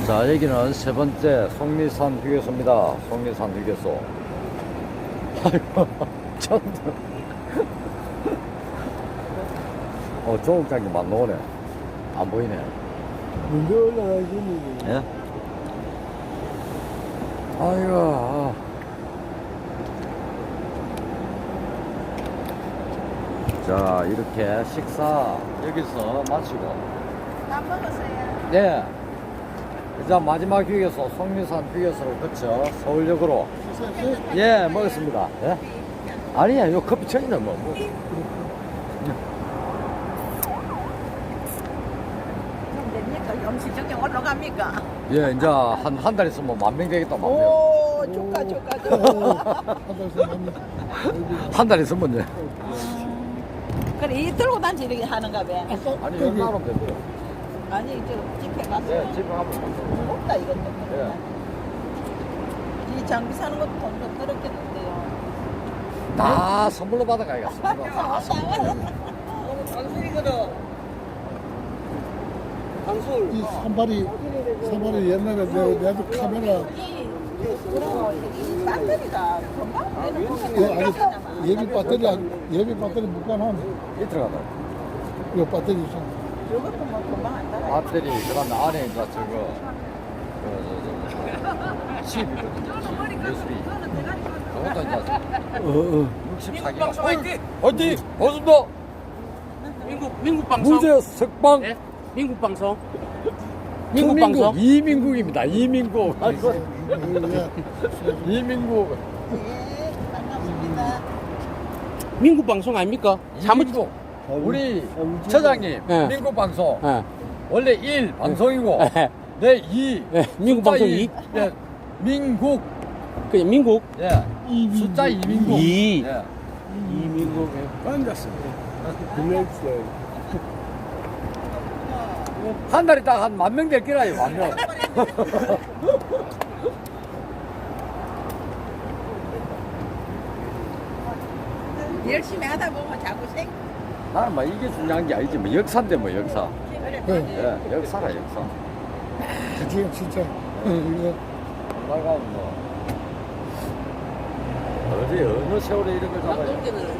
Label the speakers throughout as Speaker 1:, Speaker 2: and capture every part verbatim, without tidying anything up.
Speaker 1: 자, 여기는 세 번째 속리산 휴게소입니다. 속리산 휴게소. 아이고, 전. 어, 조국장이 만 나오네. 안 보이네.
Speaker 2: 문제 올라가시니.
Speaker 1: 예? 아이고. 자, 이렇게 식사 여기서 마치고.
Speaker 3: 다 먹었어요.
Speaker 1: 네. 이제 마지막 휴게소, 속리산 휴게소를 거쳐 서울역으로. 예, 먹었습니다. 예? 아니야, 요 커피 천이네, 뭐. 뭐.
Speaker 3: 그럼 됩니까? 음식 저기 올라갑니까?
Speaker 1: 예, 이제 한, 한 달 있으면 만 명 되겠다, 만 명.
Speaker 3: 오, 축하, 축하, 축하.
Speaker 1: 한 달 있으면, 예.
Speaker 3: 그래, 이 들고 단지 이렇게 하는가 봐.
Speaker 1: 아니, 여기 하면 되고요.
Speaker 3: 아니, 저 집에 가서.
Speaker 1: 예, 집에 가면 되고.
Speaker 3: 무겁다, 이건.
Speaker 1: 예.
Speaker 3: 이 장비 사는 것도 돈 좀 들었겠는데요.
Speaker 1: 다 선물로 받아가야겠습니다. 다 선물로.
Speaker 3: 방술이거든.
Speaker 2: 방술. 이 산발이, 산발이 옛날에 내, 내도 카메라,
Speaker 3: 이, 그럼 이 배터리가 금방 되는
Speaker 2: 그 아니, 예비 배터리, 예비 배터리 묶어놓으면,
Speaker 1: 이 들어가다.
Speaker 2: 이 배터리 있잖아.
Speaker 3: 저것도 뭐 금방 안 따라.
Speaker 1: 배터리, 그 다음에 안에 이제 저거, 그, 저, 저, 칩이거든요. 칩, 유에스비. 그것도 이제
Speaker 2: 어, 어.
Speaker 1: 육십사 기가. 어디? 고순도
Speaker 4: 미국 미국 방송.
Speaker 1: 무제 석방.
Speaker 4: 네? 미국 방송. 미국
Speaker 1: 중민국
Speaker 4: 방송.
Speaker 1: 이민국입니다. 이민국. 아이고,
Speaker 2: 예.
Speaker 1: 이민국.
Speaker 3: 예, 반갑습니다.
Speaker 4: 미국 방송 아닙니까? 사무
Speaker 1: 이민국. 우리 처장님,
Speaker 4: 네.
Speaker 1: 민국 방송.
Speaker 4: 예.
Speaker 1: 원래 일 방송이고,
Speaker 4: 예.
Speaker 1: 네, 이.
Speaker 4: 예, 민국
Speaker 1: 숫자
Speaker 4: 방송
Speaker 1: 이.
Speaker 4: 이.
Speaker 1: 네, 민국.
Speaker 4: 그냥 민국.
Speaker 1: 예. 숫자 이민국.
Speaker 4: 이.
Speaker 1: 예.
Speaker 4: 이민국.
Speaker 2: 반갑습니다. 고맙어요.
Speaker 1: 한 달 있다가 한 만 명 될 거라요, 만 명.
Speaker 3: 열심히 하다 보면 자꾸 생.
Speaker 1: 나는 뭐 이게 중요한 게 아니지, 뭐 역사인데 뭐 역사.
Speaker 3: 그래,
Speaker 2: 네.
Speaker 1: 예, 역사라 역사.
Speaker 2: 지금 진짜, 어, 이거,
Speaker 1: 나가 뭐 어디 어느 세월에 이런 걸 잡아요.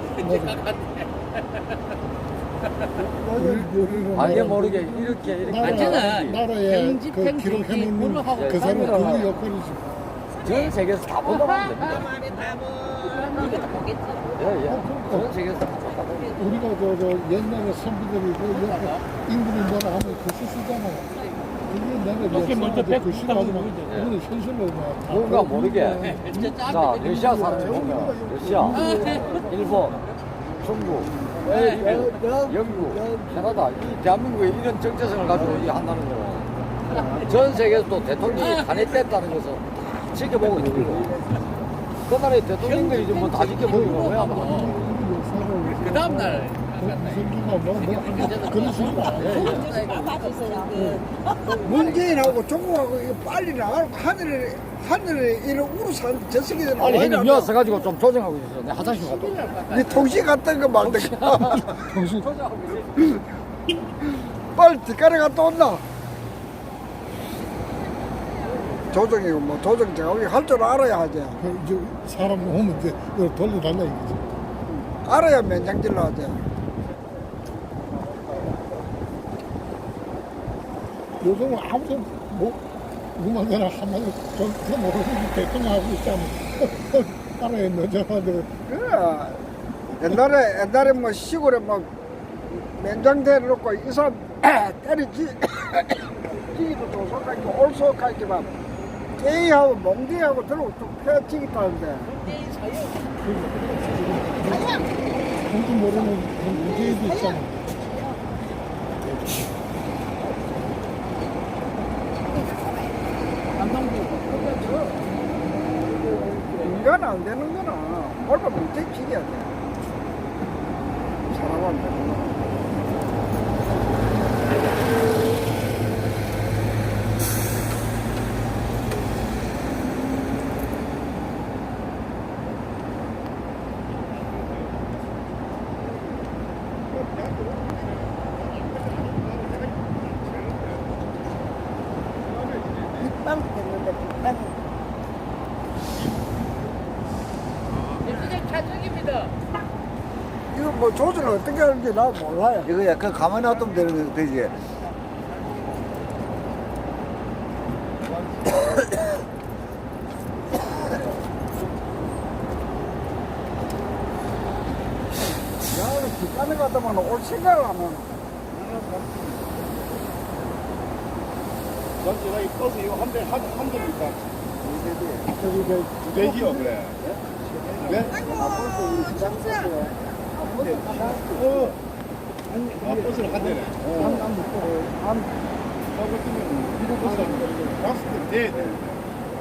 Speaker 2: 우리,
Speaker 1: 알게 모르게 이렇게 이렇게
Speaker 2: 나라,
Speaker 4: 괜찮아.
Speaker 2: 나라에
Speaker 4: 편집,
Speaker 2: 그
Speaker 4: 편집,
Speaker 2: 기록해놓는
Speaker 4: 그걸로 하고
Speaker 2: 그 사람
Speaker 1: 카메라.
Speaker 2: 그 역할이지.
Speaker 1: 전 세계에서 다 본다면 됩니다.
Speaker 3: 말에 답은 이것도 보겠지.
Speaker 1: 예, 예. 전 세계에서 다 본다고.
Speaker 2: 우리가 저, 저 옛날에 선비들이 그 옆에 인물이 뭐라 하면 글씨 쓰잖아요. 그게 내가
Speaker 4: 이렇게 먼저
Speaker 2: 역사한테
Speaker 4: 백
Speaker 2: 글씨가 하지만
Speaker 4: 보이죠.
Speaker 2: 우리는 현실로 뭐 다
Speaker 1: 뭔가
Speaker 2: 보고
Speaker 1: 모르게. 자, 러시아 사람이 보면 러시아, 일본, 중국, 미국, 영국, 캐나다, 이 대한민국에 이런 정체성을 가지고 이 한다는 거는 전 세계에서 또 대통령이 탄핵됐다는 것을 다 지켜보고 있는 거고. 그 나라의 대통령들이 뭐 다 지켜보고 왜 안 봐?
Speaker 4: 그 다음 날.
Speaker 2: 무슨기가 뭐, 뭐, 그런 식으로 안 해.
Speaker 3: 맞으세요.
Speaker 5: 문재인하고 조국하고 이거 빨리 나가고 하늘에 하늘에 이런 우루산 저 새끼들
Speaker 1: 아니, 형님 미워서 가지고 좀 조정하고 있어. 내 화장실 갔다 올게.
Speaker 5: 네 통신 갔던 거 말든가
Speaker 2: 정신,
Speaker 5: 빨리 뒷가래 갔다 온나 조정이고 뭐 조정 제가 우리 할 줄 알아야 하지
Speaker 2: 그, 이제 사람 오면 이제 이걸 돌려달라 이거지.
Speaker 5: 알아야 면장질로 하지
Speaker 2: 요즘은 아무도 뭐, 누구만 그나 한마디 좀, 좀 모르는 대통령하고 있잖아. 알아야 너저한테
Speaker 5: 그래 옛날에 옛날에 뭐 시골에 뭐 면장대 놓고 이 사람 때리지 지기도 도속하고 올속하기만 게이하고 몽디하고 들고 쭉 펴지기 타는데
Speaker 2: 공도 모르는 그 문제도 있잖아.
Speaker 5: 인간 안 되는 거나 얼마 문제 지겨야 돼. 사람 안 되는 거나.
Speaker 3: 금방 됐는데 금방.
Speaker 5: 이거 뭐 조절을 어떻게 하는지 나 몰라요.
Speaker 1: 이거 약간 가만히 놔두면 되는 되지.
Speaker 5: 야는 뒷간에 갔다만 올 생각을 안 하는.
Speaker 2: 전 제가 이 버스 이거 한 대, 한, 한 대입니까?
Speaker 5: 저기 저
Speaker 2: 두 대기요, 그래. 네?
Speaker 3: 아이고 정수야.
Speaker 2: 어. 아, 버스를 한 대네.
Speaker 5: 한
Speaker 2: 저거 같으면 이거 버스가 다섯 대 돼야 되는데.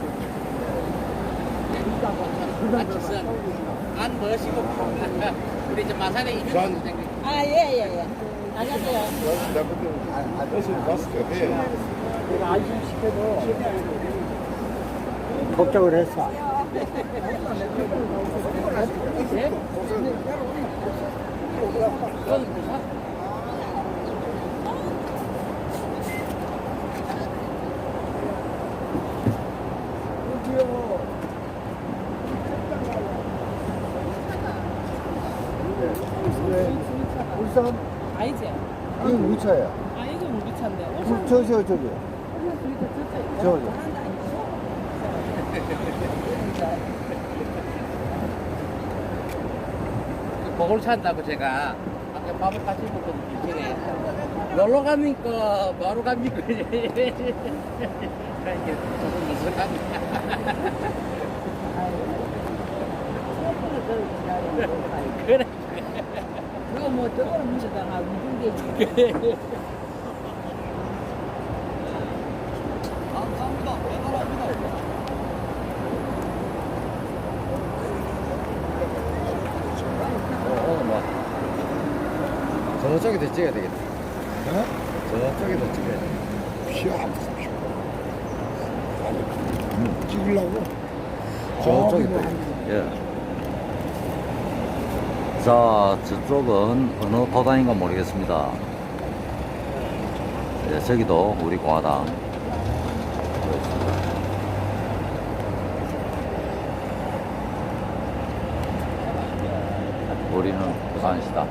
Speaker 4: 안 멋이고 우리 이제 마산에 이민
Speaker 2: 전-
Speaker 3: 아 예예예. 안녕하세요.
Speaker 2: 내가 그때 버스를 다섯 대 돼야 돼.
Speaker 5: 내가 안심시켜도 걱정을 했어. 울산
Speaker 6: 아니지?
Speaker 5: 이거 우리 차야.
Speaker 6: 아 이건 우리 차인데.
Speaker 5: 저, 저, 저기. 저기.
Speaker 4: 먹을 찬다고 제가 아까 밥을 같이 먹거든요. 길에 놀러 가니까 바로 갑니까? 이게 조금 무섭답니다. 그래.
Speaker 3: 그거 뭐 저거는 문제다가 무슨
Speaker 1: 오늘 뭐 저쪽에도 찍어야 되겠다.
Speaker 5: 어?
Speaker 1: 저쪽에도 찍어야 돼.
Speaker 5: 피하. 찍으려고?
Speaker 1: 저쪽에도. 예. 자, 저쪽은 어느 도단인가 모르겠습니다. 예, 저기도 우리 공화당. 우리는 부산시다.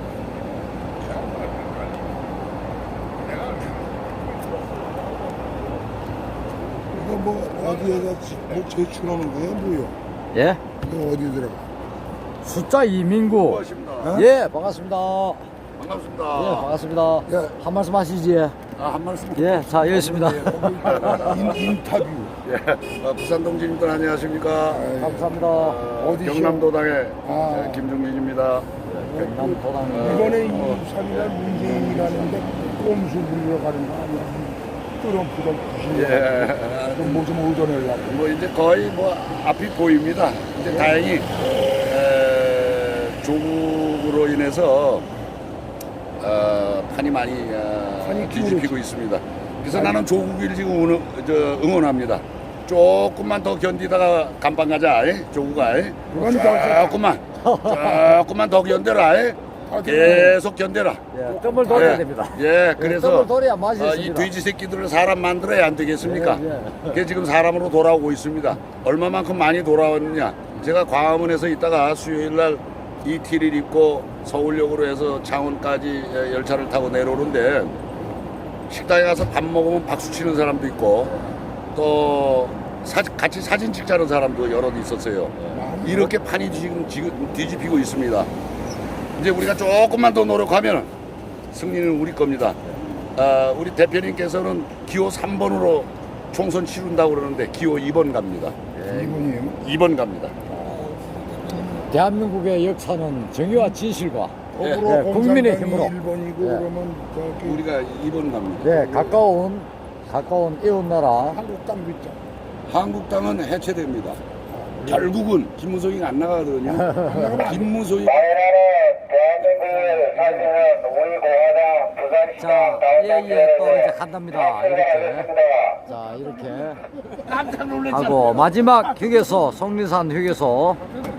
Speaker 2: 이거 뭐 어디에다 지- 뭐 제출하는 거야, 뭐요?
Speaker 1: 예?
Speaker 2: 이거 어디 들어가?
Speaker 1: 숫자 이민구.
Speaker 2: 어?
Speaker 1: 예, 반갑습니다.
Speaker 2: 반갑습니다.
Speaker 1: 예, 반갑습니다.
Speaker 2: 예.
Speaker 1: 한 말씀 하시지.
Speaker 2: 아, 한 말씀.
Speaker 1: 예, 자, 여기 있습니다.
Speaker 2: 인, 인터뷰.
Speaker 7: 예, 어, 부산 동지님들 안녕하십니까?
Speaker 1: 감사합니다.
Speaker 7: 어,
Speaker 2: 어디시오?
Speaker 7: 경남도당의
Speaker 2: 아.
Speaker 7: 예, 김종민입니다.
Speaker 1: 경남도당.
Speaker 2: 이번에 이십삼 일 문재인이라는데 꼼수 부리러 가는 거 아니야? 트럼프가
Speaker 7: 예,
Speaker 2: 뭐좀 얻어내려고.
Speaker 7: 뭐 이제 거의 뭐 앞이 보입니다. 이제 다행히 에, 조국으로 인해서 어, 판이 많이 어,
Speaker 2: 판이
Speaker 7: 뒤집히고 있습니다. 그래서 나는 조국을 지금 응원, 저, 응원합니다. 조금만 더 견디다가 간판 가자, 이? 조국아. 이?
Speaker 2: 그건 더
Speaker 7: 조금만, 조금만 더 견뎌라. 이? 계속 견뎌라.
Speaker 1: 예, 뜸을 돌려야
Speaker 7: 예,
Speaker 1: 됩니다.
Speaker 7: 예, 그래서
Speaker 1: 뜸을 돌려야 맛이
Speaker 7: 어, 이
Speaker 1: 있습니다.
Speaker 7: 돼지 새끼들을 사람 만들어야 안 되겠습니까?
Speaker 1: 예, 예.
Speaker 7: 그게 지금 사람으로 돌아오고 있습니다. 얼마만큼 많이 돌아왔느냐? 제가 광화문에서 있다가 수요일 날 이티를 입고 서울역으로 해서 창원까지 예, 열차를 타고 내려오는데 식당에 가서 밥 먹으면 박수 치는 사람도 있고 또 사, 같이 사진 찍자는 사람도 여럿 있었어요. 이렇게 판이 지금, 지금 뒤집히고 있습니다. 이제 우리가 조금만 더 노력하면 승리는 우리 겁니다. 아, 우리 대표님께서는 기호 삼 번으로 총선 치른다고 그러는데 기호 이 번 갑니다.
Speaker 2: 이분이에요.
Speaker 7: 이 번 갑니다.
Speaker 1: 대한민국의 역사는 정의와 진실과
Speaker 2: 거꾸로
Speaker 1: 예, 국민의
Speaker 2: 공산당이
Speaker 1: 힘으로.
Speaker 2: 일 번이고
Speaker 1: 예.
Speaker 2: 그러면 저기
Speaker 7: 우리가 이 번 갑니다.
Speaker 1: 네, 가까운 가까운 이웃 나라
Speaker 2: 한국당 있죠.
Speaker 7: 한국당은 해체됩니다. 결국은 김무성이 안 나가거든요. 김무성이
Speaker 8: 대한민국을 사실은 우리 공화당 부산시장
Speaker 1: 자, 예, 예, 또 이제 간답니다. 이렇게. 자, 이렇게
Speaker 4: 깜짝 놀랐잖아.
Speaker 1: 하고 마지막 휴게소, 속리산 휴게소